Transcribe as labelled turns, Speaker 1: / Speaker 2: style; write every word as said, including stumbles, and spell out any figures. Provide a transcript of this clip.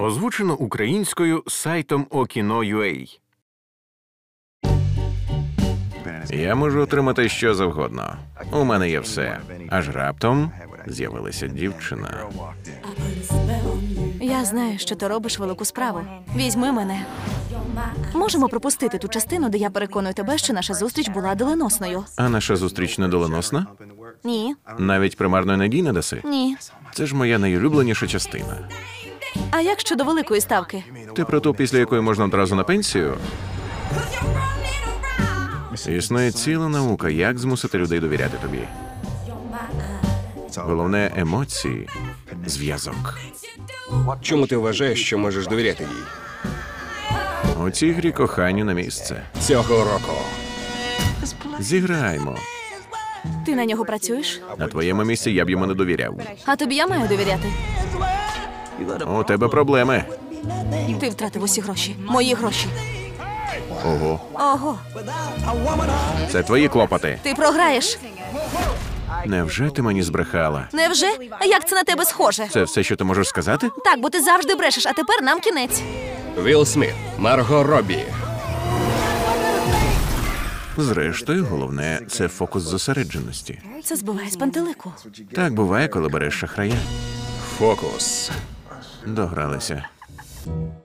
Speaker 1: Озвучено українською сайтом Okino.ua. Я можу отримати що завгодно. У мене є все. Аж раптом з'явилася дівчина.
Speaker 2: Я знаю, що ти робиш велику справу. Візьми мене. Можемо пропустити ту частину, де я переконую тебе, що наша зустріч була доленосною.
Speaker 1: А наша зустріч не доленосна?
Speaker 2: Ні.
Speaker 1: Навіть примарної надії не даси?
Speaker 2: Ні.
Speaker 1: Це ж моя найулюбленіша частина.
Speaker 2: А як щодо великої ставки?
Speaker 1: Ти про ту, після якої можна одразу на пенсію? Існує ціла наука, як змусити людей довіряти тобі. Головне – емоції, зв'язок.
Speaker 3: Чому ти вважаєш, що можеш довіряти їй?
Speaker 1: У цій грі коханню на місце.
Speaker 3: Цього року.
Speaker 1: Зіграємо.
Speaker 2: Ти на нього працюєш?
Speaker 1: На твоєму місці я б йому не довіряв.
Speaker 2: А тобі я маю довіряти.
Speaker 1: У тебе проблеми.
Speaker 2: Ти втратив усі гроші. Мої гроші.
Speaker 1: Ого.
Speaker 2: Ого.
Speaker 1: Це твої клопоти.
Speaker 2: Ти програєш.
Speaker 1: Невже ти мені збрехала?
Speaker 2: Невже? А як це на тебе схоже?
Speaker 1: Це все, що ти можеш сказати?
Speaker 2: Так, бо ти завжди брешеш, а тепер нам кінець.
Speaker 3: Вілл Сміт, Марго Роббі.
Speaker 1: Зрештою, головне – це фокус зосередженості.
Speaker 2: Це збиває з пантелику.
Speaker 1: Так буває, коли береш шахрая.
Speaker 3: Фокус.
Speaker 1: Догралися.